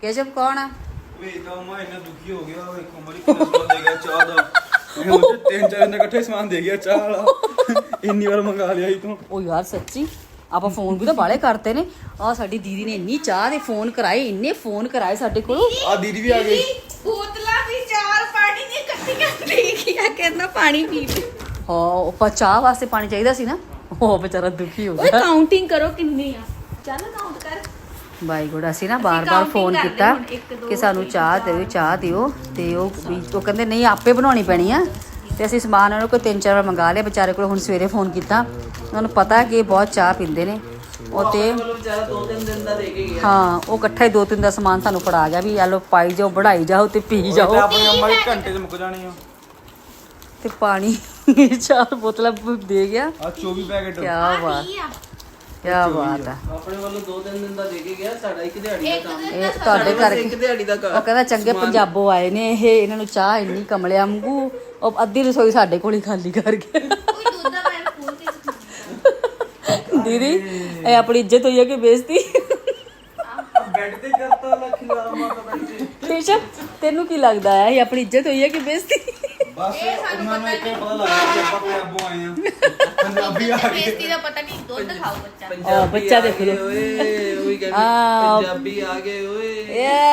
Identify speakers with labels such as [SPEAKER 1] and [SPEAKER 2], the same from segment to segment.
[SPEAKER 1] केशव कौन है?
[SPEAKER 2] ਵੇ ਤਾਂ ਮੈਂ ਇੰਨਾ ਦੁਖੀ ਹੋ ਗਿਆ ਵੇਖੋ ਮਰੀ ਕਿੰਨਾ ਸਮਾਨ ਦੇ ਗਿਆ ਚਾਹ ਦਾ ਇਹ ਹੁਣ ਤਿੰਨ ਚਾਰ ਦਿਨ ਇਕੱਠੇ ਸਮਾਨ ਦੇ ਗਿਆ ਚਾਹ ਵਾਲਾ ਇੰਨੀ ਵਾਰ ਮੰਗਾ ਲਿਆ ਸੀ ਤੂੰ
[SPEAKER 1] ਉਹ ਯਾਰ ਸੱਚੀ ਆਪਾਂ ਫੋਨ ਵੀ ਤਾਂ ਬਾਲੇ ਕਰਤੇ ਨੇ ਆ ਸਾਡੀ ਦੀਦੀ ਨੇ ਇੰਨੀ ਚਾਹ ਦੇ ਫੋਨ ਕਰਾਏ ਇੰਨੇ ਫੋਨ ਕਰਾਏ ਸਾਡੇ ਕੋਲ
[SPEAKER 2] ਆ ਦੀਦੀ ਵੀ ਆ ਗਈ
[SPEAKER 3] ਬੋਤਲਾਂ ਵੀ 4 ਪਾਣੀ ਦੀਆਂ ਇਕੱਠੀਆਂ ਲੈ ਗਿਆ ਕਹਿੰਦਾ ਪਾਣੀ ਪੀ ਲੈ
[SPEAKER 1] ਹਾਂ ਉਹ ਚਾਹ ਵਾਸਤੇ ਪਾਣੀ ਚਾਹੀਦਾ ਸੀ ਨਾ ਉਹ ਵਿਚਾਰਾ ਦੁਖੀ ਹੋ
[SPEAKER 3] ਓਏ
[SPEAKER 1] ਗਿਆ
[SPEAKER 3] ਕਾਊਂਟਿੰਗ ਕਰੋ ਕਿੰਨੀ ਆ ਚੱਲ ਕਾਊਂਟ ਕਰ
[SPEAKER 1] ਬਾਈ ਗੋੜਾ ਅਸੀਂ ਨਾ ਬਾਰ-ਬਾਰ ਫੋਨ ਕੀਤਾ ਕਿ ਸਾਨੂੰ ਚਾਹ ਦਿਓ ਤੇ ਉਹ ਕਹਿੰਦੇ ਨਹੀਂ ਆਪੇ ਬਣਾਉਣੀ ਪੈਣੀ ਆ ਤੇ ਅਸੀਂ ਸਮਾਨ ਉਹਨਾਂ ਕੋਲ 3-4 ਵਾਰ ਮੰਗਾ ਲਿਆ ਵਿਚਾਰੇ ਕੋਲ ਹੁਣ ਸਵੇਰੇ ਫੋਨ ਕੀਤਾ ਉਹਨਾਂ ਨੂੰ ਪਤਾ ਕਿ ਬਹੁਤ ਚਾਹ ਪੀਂਦੇ ਨੇ ਉਹ ਤੇ
[SPEAKER 4] ਵਿਚਾਰਾ 2-3 ਦਿਨ ਦਾ ਦੇ ਕੇ ਗਿਆ
[SPEAKER 1] ਹਾਂ ਉਹ ਇਕੱਠਾ ਹੀ 2-3 ਦਾ ਸਮਾਨ ਸਾਨੂੰ ਫੜਾ ਗਿਆ ਵੀ ਆ ਲੋ ਪਾਈ ਜਾਓ ਬੜਾਈ ਜਾਓ ਤੇ ਪੀ ਜਾਓ
[SPEAKER 2] ਆਪਣੀ ਅੰਮਾ ਦੇ ਘੰਟੇ 'ਚ ਮੁੱਕ ਜਾਣੀ ਆ
[SPEAKER 1] ਤੇ ਪਾਣੀ 4 ਬੋਤਲਾਂ ਦੇ ਗਿਆ
[SPEAKER 2] ਆ 24 ਪੈਕੇਟ
[SPEAKER 1] ਕੀ ਬਾਤ ਕੀ ਬਾਤ ਹੈ
[SPEAKER 4] ਆਪਣੇ ਵੱਲੋਂ 2-3 ਦਿਨ ਦਾ ਦੇ ਕੇ ਗਿਆ ਸਾਡਾ ਇੱਕ ਦਿਹਾੜੀ ਦਾ ਕੰਮ
[SPEAKER 1] ਇਹ ਤੁਹਾਡੇ ਘਰ
[SPEAKER 4] ਇੱਕ ਦਿਹਾੜੀ ਦਾ
[SPEAKER 1] ਉਹ ਕਹਿੰਦਾ ਚੰਗੇ ਪੰਜਾਬੋਂ ਆਏ ਨੇ ਇਹ ਇਹਨਾਂ ਨੂੰ ਚਾਹ ਇੰਨੀ ਕਮਲਿਆ ਵਾਂਗੂ ਉਹ ਅੱਧੀ ਰਸੋਈ ਸਾਡੇ ਕੋਲ ਹੀ ਖਾਲੀ ਕਰ ਗਿਆ
[SPEAKER 3] ਕੋਈ ਦੁੱਧ ਦਾ ਮੈਂ ਫੋਨ ਤੇ
[SPEAKER 1] ਦੀਦੀ ਇਹ ਆਪਣੀ ਇੱਜ਼ਤ ਹੋਈ ਹੈ ਕਿ ਬੇਇੱਜ਼ਤੀ
[SPEAKER 4] ਬੈੱਡ ਤੇ ਕਰਤਾ ਲੱਖ ਲਾਰਾ ਮਾਤਾ ਬੈੱਡ ਤੇ
[SPEAKER 1] ਕੇਸ਼ਵ ਤੈਨੂੰ ਕੀ ਲੱਗਦਾ ਹੈ ਇਹ ਆਪਣੀ ਇੱਜ਼ਤ ਹੋਈ ਹੈ ਕਿ ਬੇਇੱਜ਼ਤੀ
[SPEAKER 2] ਬਸ ਉਹਨਾਂ ਨੂੰ ਇੱਕ ਪਤਾ ਲੱਗ ਗਿਆ ਕਿ ਆਪਾਂ ਪੰਜਾਬੋਂ ਆਏ ਆ ਪੰਜਾਬੀ ਆ ਗਏ
[SPEAKER 3] ਬੇਇੱਜ਼ਤੀ ਦਾ ਪਤਾ ਨਹੀਂ ਦੁੱਧ ਖਾਓ ਬੱਚਾ
[SPEAKER 1] ਆ ਬੱਚਾ ਦੇਖ ਲਓ
[SPEAKER 4] ਓਏ ਉਹੀ ਕਹਿੰਦੇ
[SPEAKER 1] ਆ।
[SPEAKER 4] ਪੰਜਾਬੀ ਆ ਗਏ ਓਏ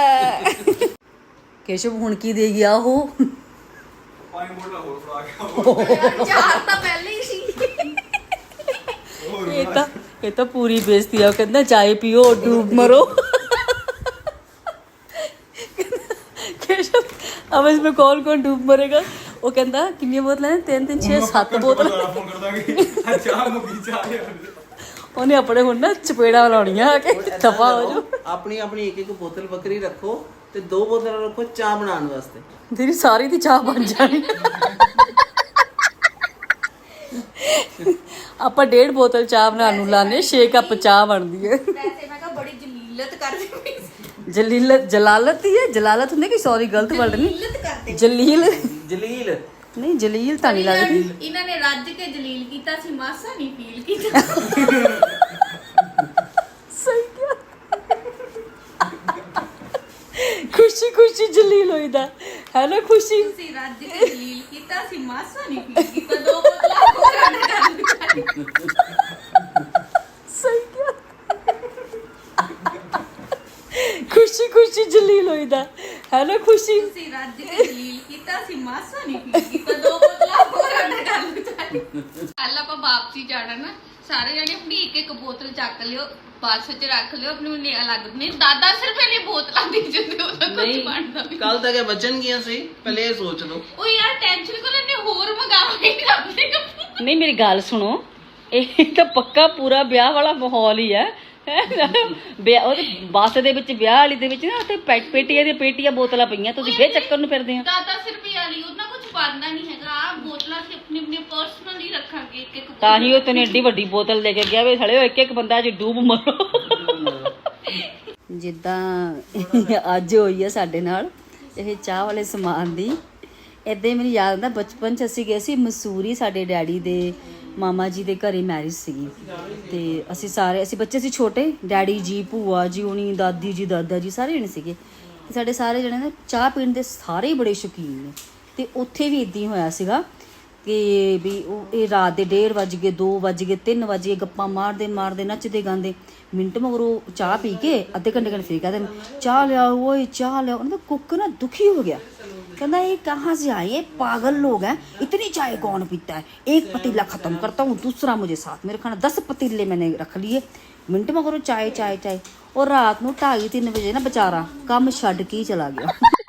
[SPEAKER 1] ਕੇਸ਼ਵ ਹੁਣ ਕੀ ਦੇ ਗਿਆ ਉਹ
[SPEAKER 2] ਪਾਣੀ ਬੋਤਲ ਹੋਰ ਫੜਾ ਗਿਆ
[SPEAKER 3] ਚਾਰ ਤਾਂ ਪਹਿਲੇ ਹੀ ਸੀ
[SPEAKER 1] ਇਹ ਤਾਂ ਪੂਰੀ ਬੇਇੱਜ਼ਤੀ ਆ ਉਹ ਕਹਿੰਦਾ ਚਾय ਪੀਓ ਡੂਬ ਮਰੋ केशव अब इसमें कौन डूब मरेगा वो कहता कितनी बोतल है 3 6 7 बोतल
[SPEAKER 2] ਫੋਨ ਕਰਦਾ ਕਿ ਚਾਹ ਮੁੱਕੀ ਚਾਹ
[SPEAKER 1] ਉਹਨੇ ਆਪਣੇ ਹੁਣ ਨਾ ਚਪੇੜਾ ਲਾਉਣੀਆਂ ਆ ਕੇ ਦਫਾ ਹੋ ਜਾ
[SPEAKER 4] ਆਪਣੀ ਆਪਣੀ ਇੱਕ ਬੋਤਲ ਬੱਕਰੀ ਰੱਖੋ ਤੇ 2 ਬੋਤਲਾਂ ਰੱਖੋ ਚਾਹ ਬਣਾਉਣ ਵਾਸਤੇ
[SPEAKER 1] ਤੇਰੀ ਸਾਰੀ ਦੀ ਚਾਹ ਬਣ ਜਾਣੀ ਆਪਾਂ 1.5 ਬੋਤਲ ਚਾਹ ਬਣਾਉਣ ਨੂੰ ਲਾਣੇ 6 ਕੱਪ ਚਾਹ ਬਣਦੀ ਹੈ
[SPEAKER 3] ਵੈਸੇ ਮੈਂ ਕਿਹਾ ਬੜੀ ਜਲੀਲਤ ਕਰਦੀ ਪਈ ਸੀ
[SPEAKER 1] ਜਲਾਲਤ ਹੀ ਹੈ ਜਲਾਲਤ ਹੁੰਦੀ ਕਿ ਸੌਰੀ ਗਲਤ ਵਰਡ ਨਹੀਂ
[SPEAKER 3] ਜਲੀਲਤ ਕਰਦੇ
[SPEAKER 1] ਜਲੀਲ
[SPEAKER 4] ਜਲੀਲ
[SPEAKER 1] ਨਹੀਂ ਜਲੀਲ ਤਾਂ ਨਹੀਂ ਲੱਗਦੀ
[SPEAKER 3] ਇਹਨਾਂ ਨੇ ਰੱਜ ਕੇ ਜਲੀਲ ਕੀਤਾ ਸੀ ਮਾਸਾ ਨਹੀਂ ਫੀਲ ਕੀਤਾ
[SPEAKER 1] ਸਹੀ ਕਿਹਾ ਖੁਸ਼ੀ ਖੁਸ਼ੀ ਜਲੀਲ ਹੋਈਦਾ ਹੈ ਨਾ ਖੁਸ਼ੀ
[SPEAKER 3] ਤੁਸੀਂ ਰੱਜ ਕੇ ਜਲੀਲ ਕੀਤਾ ਸੀ ਮਾਸਾ ਨਹੀਂ ਫੀਲ ਕੀਤਾ 2 ਬੋਤਲਾਂ ਹੋਰ ਆਡ ਕਰ ਦਿੱਤੀ
[SPEAKER 1] ਸਹੀ ਕਿਹਾ ਖੁਸ਼ੀ ਖੁਸ਼ੀ ਜਲੀਲ ਹੋਈਦਾ ਹੈ ਨਾ ਖੁਸ਼ੀ
[SPEAKER 3] ਤੁਸੀਂ ਰੱਜ ਕੇ ਜਲੀਲ ਕੀਤਾ ਸੀ ਮਾਸਾ ਨਹੀਂ ਫੀਲ ਕੀਤਾ 2 ਬੋਤਲਾਂ ਹੋਰ ਆਡ ਕਰ ਦਿੱਤੀ ਕੱਲ ਆਪਾਂ ਵਾਪਸੀ ਜਾਣਾ ਨਾ ਸਾਰੇ ਜਣੇ ਆਪਣੀ ਇੱਕ ਬੋਤਲ ਚੱਕ ਲਿਓ ਬੱਸ 'ਚ ਰੱਖ ਲਿਓ ਆਪਣੀ ਅਲੱਗ ਨਹੀਂ ਦਾਦਾ ਸਿਰਫ ਇਹਨੇ ਬੋਤਲਾਂ ਦੇ ਜਾਂਦੇ ਉਹਦਾ ਕੁਝ ਬਣਦਾ ਵੀ
[SPEAKER 4] ਕੱਲ ਤੱਕ ਇਹ ਬਚਣ ਗਿਆ ਸੀ ਪਹਿਲੇ ਇਹ ਸੋਚ ਲਓ
[SPEAKER 3] ਉਹ ਯਾਰ ਟੈਨਸ਼ਨ ਕਰ ਲੈਨੇ ਹੋਰ ਮੰਗਾਵਾਂਗੇ ਰੱਬੇ
[SPEAKER 1] ਨਹੀਂ ਮੇਰੀ ਗੱਲ ਸੁਣੋ ਇਹ ਤਾਂ ਪੱਕਾ ਪੂਰਾ ਵਿਆਹ ਵਾਲਾ ਮਾਹੌਲ ਹੀ ਹੈ ਵਿਆਹ ਉਹਦੇ ਬੱਸ ਦੇ ਵਿੱਚ ਵਿਆਹ ਵਾਲੀ ਦੇ ਵਿੱਚ ਨਾ ਉੱਥੇ ਪੇਟੀਆਂ ਦੀਆਂ ਪੇਟੀਆਂ ਬੋਤਲਾਂ ਪਈਆਂ ਤੁਸੀਂ ਫੇਰ ਚੱਕਰ ਨੂੰ ਫਿਰਦੇ ਆ
[SPEAKER 3] ਦਾਦਾ ਸਿਰਫ ਵਾਲੀ ਉਹਨਾਂ ਕੁਝ ਪਾਣਾ ਨਹੀਂ ਹੈਗਾ ਆ ਬੋਤਲਾਂ ਅਸੀਂ ਆਪਣੀ ਪਰਸਨਲੀ ਰੱਖਾਂਗੇ ਇੱਕ
[SPEAKER 1] ਤਾਂ ਹੀ ਉਹ ਤੈਨੂੰ ਏਡੀ ਵੱਡੀ ਬੋਤਲ ਲੈ ਕੇ ਗਿਆ ਵੇ ਸਾਲਿਓ ਇੱਕ ਬੰਦਾ ਅੱਜ ਡੂਬ ਮਰੋ ਜਿੱਦਾਂ ਅੱਜ ਹੋਈ ਆ ਸਾਡੇ ਨਾਲ ਇਹ ਚਾਹ ਵਾਲੇ ਸਮਾਨ ਦੀ ਏਦਾਂ ਹੀ ਮੈਨੂੰ ਯਾਦ ਆਉਂਦਾ ਬਚਪਨ 'ਚ ਅਸੀਂ ਗਏ ਸੀ ਮਸੂਰੀ ਸਾਡੇ ਡੈਡੀ ਦੇ ਮਾਮਾ ਜੀ ਦੇ ਘਰੇ ਮੈਰਿਜ ਸੀਗੀ ਤੇ ਅਸੀਂ ਬੱਚੇ ਸੀ ਛੋਟੇ ਡੈਡੀ ਜੀ ਭੂਆ ਜੀ ਹੁਣੀ ਦਾਦੀ ਜੀ ਦਾਦਾ ਜੀ ਸਾਰੇ ਜਣੇ ਸੀਗੇ ਤੇ ਸਾਡੇ ਸਾਰੇ ਜਣੇ ਨਾ ਚਾਹ ਪੀਣ ਦੇ ਸਾਰੇ ਹੀ ਬੜੇ ਸ਼ੌਕੀਨ ਨੇ ਤੇ ਉੱਥੇ ਵੀ ਇਦਾਂ ਹੀ ਹੋਇਆ ਸੀਗਾ ਕਿ ਵੀ ਉਹ ਇਹ ਰਾਤ ਦੇ 1:30 ਵੱਜ ਗਏ 2 ਵੱਜ ਗਏ 3 ਵੱਜ ਗਏ ਗੱਪਾਂ ਮਾਰਦੇ ਨੱਚਦੇ ਗਾਉਂਦੇ ਮਿੰਟ ਮਗਰੋਂ ਚਾਹ ਪੀ ਕੇ ਅੱਧੇ ਘੰਟੇ ਫਿਰ ਕਹਿੰਦੇ ਚਾਹ ਲਿਆਓ ਓਏ ਚਾਹ ਲਿਆਓ ਉਹਨਾਂ ਦਾ ਕੁੱਕ ਨਾ ਦੁਖੀ ਹੋ ਗਿਆ कहना ये कहाँ से आए पागल लोग हैं इतनी चाय कौन पीता है एक पतीला खत्म करता हूँ दूसरा मुझे साथ मेरे खाना 10 पतीले मैंने रख लिए मिनट में करो चाय चाय चाय और रात को 2:30-3 बजे ना बेचारा काम छड्ड के ही चला गया